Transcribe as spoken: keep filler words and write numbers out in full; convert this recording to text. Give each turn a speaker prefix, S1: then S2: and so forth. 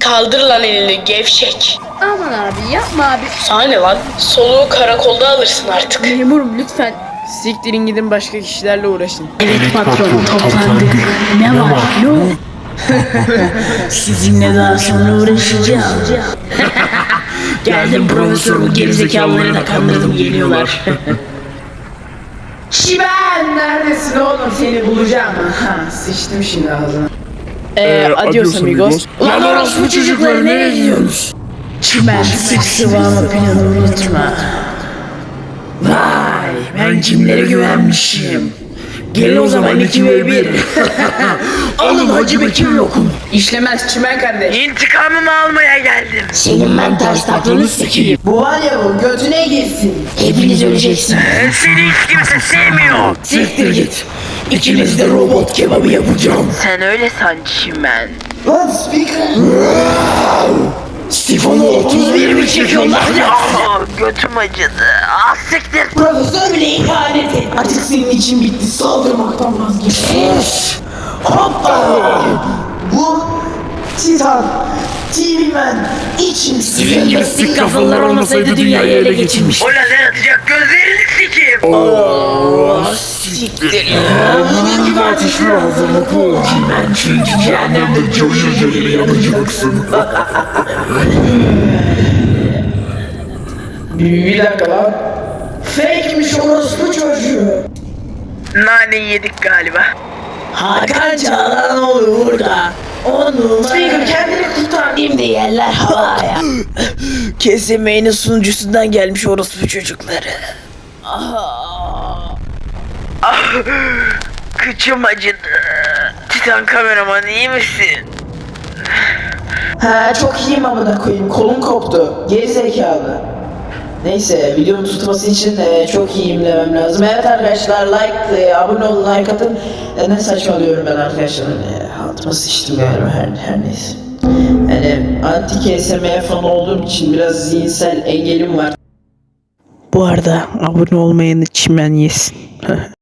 S1: Kaldır lan elini gevşek.
S2: Aman abi yapma abi.
S1: Sana ne lan? Soluğu karakolda alırsın artık.
S2: Memurum lütfen.
S3: Siktirin gidin başka kişilerle uğraşın.
S2: Evet patron toplandık. Ne var? Ne oldu? Sizinle daha sonra uğraşacağım. Geldim profesör, bu gerizekalıları da kandırdım, geliyorlar.
S3: Şiben neredesin oğlum, seni bulacağım. Ha, sıçtım şimdi ağzına.
S2: Ee,
S4: Ee,
S2: adios amigos.
S3: Lan orospu çocukları, nereye gidiyorsunuz?
S2: Çimen sık sıvama planı unutma. Vay, ben kimlere güvenmişim. Gelin o zaman iki ve bir. Alın Hacı Bekir lokum.
S3: İşlemez Çimen kardeş.
S1: İntikamımı almaya geldim.
S2: Senin ben ters taklını sikeyim.
S3: Bu var ya, bu götüne girsin.
S2: Hepiniz öleceksiniz.
S1: Seni hiç kimse sevmiyor.
S2: Siktir git. İkiniz de robot kebabı yapacağım.
S1: Sen öyle san Çimen.
S3: Lan speaker.
S2: Sifonu otuz bir mi çekiyorlar?
S1: Aa, götüm acıdı. Ah siktir.
S3: Profesör bile ihanet et. Artık senin için bitti. Saldırmaktan vazgeç.
S2: Sus.
S3: Hoppa. Bu Titan T V Man için
S2: Sizin gibi sik kafalılar olmasaydı dünyayı ele geçirmiş.
S1: O lazer atacak gözlerini sikeyim.
S2: Siktir ya. Bunun gibi ateşli hazırlıklı ol. Ben çünkü cehennemde cayır cayır yanacaksın.
S3: Bir, bir dakika lan. Fake'miş orospu çocuğu.
S1: Nane yedik galiba.
S2: Hakan Çağlan olur burada. Onu
S3: Speaker kendini kurtar.
S2: şimdi yerler havaya. Kesin Main'in sunucusundan gelmiş orospu çocukları.
S1: Ah, kıçım acıdı. Titan kameraman iyi misin?
S3: Ha çok iyiyim amına koyayım. Kolum koptu. Geri zekalı. Neyse, videonun tutması için e, çok iyiyim demem lazım. Evet arkadaşlar, like, e, abone olun, like atın. E, ne saçmalıyorum ben arkadaşlar. E, altıma sıçtım galiba, her, her neyse. Yani anti K S M fan olduğum için biraz zihinsel engelim var.
S2: Bu arada abone olmayanı çimen yesin.